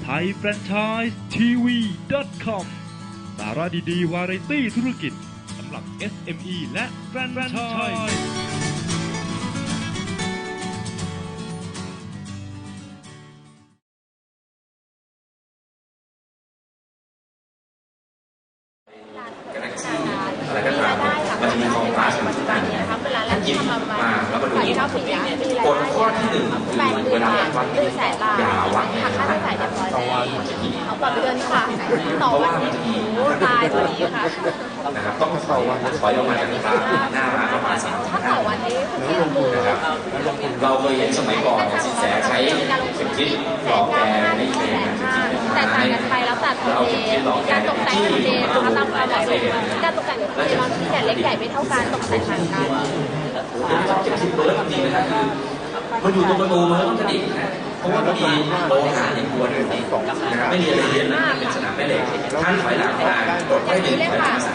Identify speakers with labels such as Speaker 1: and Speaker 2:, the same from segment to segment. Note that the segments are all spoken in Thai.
Speaker 1: thaifranchiseTV.com สาระดีๆวาไรตี้ธุรกิจสำหรับ SME และแฟรนไชส์
Speaker 2: อะไรก็ตามมันจะมีกองฟ้าสมัยนั้นถ้าหยิบมาแล้วมาดูกฎข้อที่1คือเวลาวัดอย่าวัดในค่าใช้จ่ายต่อวัน
Speaker 3: เอาต่อเดือนค่ะต่อวันนี้ตายพอดีค่ะ
Speaker 2: นะครับต้องต่อวันถอยออกมาจากหน้าร้านประมาณ3
Speaker 3: ถ้าต่อวันนี้ที่ลงทุน
Speaker 2: นะครับเราเคยเห็นสมัยก่อนสินแสใช้เข็มทิศหลอกแกไม่เป็น
Speaker 3: แต่ต่างกันไปแล้วแต่ทำเลการตกแต่งทำเลนะคะตามความเหมาะสมการตกแต่งทำเลบางที่เนี่ยเล็กใหญ่ไม่เท่ากันตกแต่งต่างกัน
Speaker 2: เข็มทิศเบิร์ดจริงนะครับคือมันอยู่ตรงประตูมันต้องกระดิกนะเพราะว่ามีโลหะในตัวด้วยนะครับไม่มีอะไรเรียนนะเป็นสนามแม่เหล็กท่านถอยหลังมากดข้อ1ถอยหลัง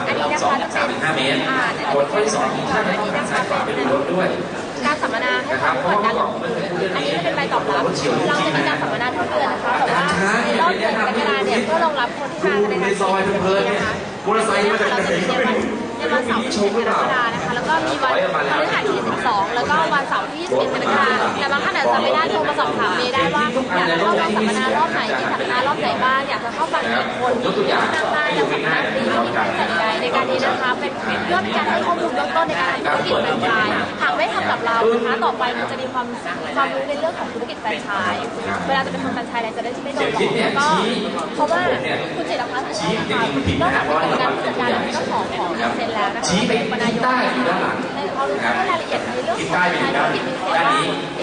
Speaker 2: 3 เมตรกดข้อที่2ท่านต้องหันซ้ายขวาไปดูรถด้วย
Speaker 3: การสัมมนาให้ความสำคัญอันนี้เป็นใบตอบรับเราจะมีการสัมมนาทุกเดือนนะคะแต่ว่ารอบเดือนกรกฎาคมเนี่ยเพื่อรองรับคนที่มาในการ
Speaker 2: ซอยเพลินๆนะคะมอเตอร์ไซค์มาจากไหนก็ไม่รู้
Speaker 3: ในวันเสาร์ที่1กรกฎาคมนะคะแล้วก็มีวันพฤหัสที่12แล้วก็วันเสาร์ที่21กรกฎาคมแต่บางท่านอาจจะไม่ได้โทรมาสอบถามเมย์ได้ว่าอยากจะเข้าสัมมนารอบไหนที่สัมมนารอบไหนบ้างอยากจะเข้าฟังกี่คนนั่งได้แล้วสัมมนาฟรีไม่มีค่าใช้จ่ายในการนี้นะคะเป็นเพื่อเป็นการให้ข้อมูลเบื้องต้นในการทำธุรกิจแฟรนไชส์หากไม่ทำกับเรานะคะต่อไปมันจะมีความรู้ในเรื่องของธุรกิจแฟรนไชส์เวลาจะเป็นทำแฟรนไชส์อะไรจะได้ไม่โดนหลอกแล้วก็เพราะว่าคุณจิตรพัฒน์ของเรานอกจากเป็นการผู้จัดการและเจ้าของเซ็นแล้วนะคะเป็นนายกในความรู้รายละเอียดในเรื่องของการธุรกิจมีเซ็นว่า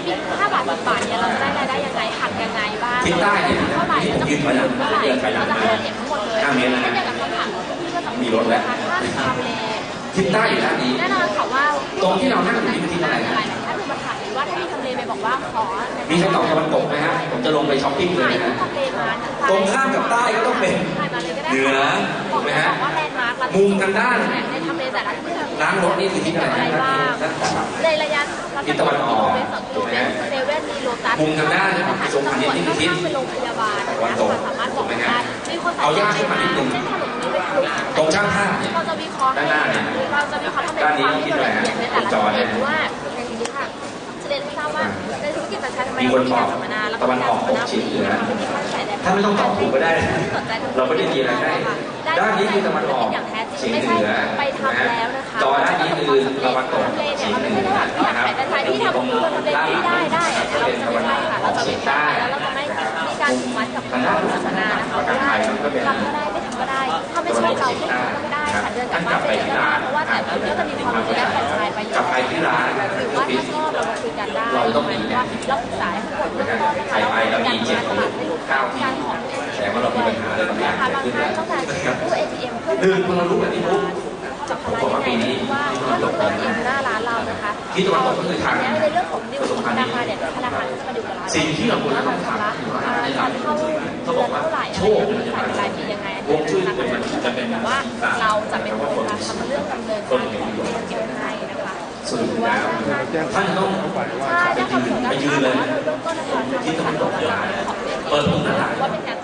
Speaker 3: 5 บาท10 บาทเนี่ยเราจะได้รายได้ยังไงหักยังไงบ้างเท่าไหร่เราจะคืนเท่าไหร่เราจะให้รายละเอียดทั้งหมดเลยเช่นเดียวกับคำถามที่ก็จะมีนะคะถ้าทำเล
Speaker 2: ทิศใต้อยู่ด้านนี้
Speaker 3: แน่นอนค่ะว่า
Speaker 2: ตรงที่เรานั่งอยู่นี่คือทิศอะไร
Speaker 3: ถ้าดูมาถามว่าถ้ามีทำเลไปบอกว่าขอ
Speaker 2: มีคำตอบตะวันตกไหมฮะผมจะลงไปช้อปปิ้งเลยนะตรงข้ามกับใต้ก็ต้องเป็นเหนือถูกไหมฮะมุมทางด้าน
Speaker 3: ในทำเลแต่ละที่
Speaker 2: ร้านรถนี่คือทิศอะไร
Speaker 3: บ้างในระยะ
Speaker 2: ทิศตะวันออก
Speaker 3: ถูกไหมเซเว่นมีโลตัส
Speaker 2: มุมทางด้านตรงพันธุ์นี่คือทิศ
Speaker 3: เป็นโรงพยาบาล
Speaker 2: ตะวันตก
Speaker 3: สามารถบอกได้
Speaker 2: เอายากขึ้นมานิดนึงตรงช่างภาพ
Speaker 3: เราจะวิเคราะห์ด้านหน้าเนี่ยเราจะวิเคราะห์ทำเป็นความที่ละเอียดในแต่ละประเด็นว่าอย่างนี้ค่ะจะเรียนให้ทราบว่าในธุรกิจแฟรนไชส์ทำไมเรามีการสัมมนาแล้วก็การสัมมนาฟรี
Speaker 2: ถ้าไม่ต้องตอบถูกก็ได้เราไม่ได้มีอะไรให้ด้านนี้คือตะวันออกเฉียงเหนือ
Speaker 3: ไปทำแล้วนะคะ
Speaker 2: จอด้านนี้คือตะวันตก
Speaker 3: เฉียงเหนือนะครับที่ทำคนทำเลที่ได้เราจะไม่ใช่ค่ะเราจะไม่ได้แล้วเราจะไม่มีการผูกมัดกับผู้สัมมนานะคะว่าทำก็ได้ไม่ทำก็ได้ถ้าไม่ชอบเราไม่ทำก็ได้ค่ะเดินกลับบ้านไปก็ได้เพราะว่าแต่ก็จะมีความรู้ด้านแฟรนไชส์ไปอยู่หรือว่าถ้าชอบเราคุยกันได้ว่าเราศึกษาให้ทุกคนเบื้องต้นนะคะเราเป็นการทำตลาดให้ลูกค้าการของ
Speaker 2: แต่ว่าเรามีปัญหาเลย
Speaker 3: นะคะบางท่านต้องการตู้ ATM เพื่อ
Speaker 2: พอเรารู้แบบนี้ปุ๊บ
Speaker 3: จับพลังยังไงว่าถ้าเราเปิดเองหน้าร้านเรานะคะ
Speaker 2: ที่ตะวันตกก็คือทาง
Speaker 3: แล้วในเรื่องของดิวธนาคารเนี่ยธนาคารจะมาดูกับเรา
Speaker 2: สิ่งที่เราควรจะต้องทำ
Speaker 3: การเข้าเดือนเท่าไหร่โชคจ่ายรายปียังไงวงชื่อมันจะเป็นแบบว่าเราจะเป็นคนทำเรื่องดำเนินการของเรื่องเกี่ยวให้นะคะ
Speaker 2: ส่วนแล้วท่านต้อง
Speaker 3: ใช่ถ้าทำผลการ
Speaker 2: ไปยืนเลย
Speaker 3: เริ่มต้นนะคะ
Speaker 2: ที่ตะวันตกเปิดมุมหน้าต่าง
Speaker 3: ว่าเป็นการ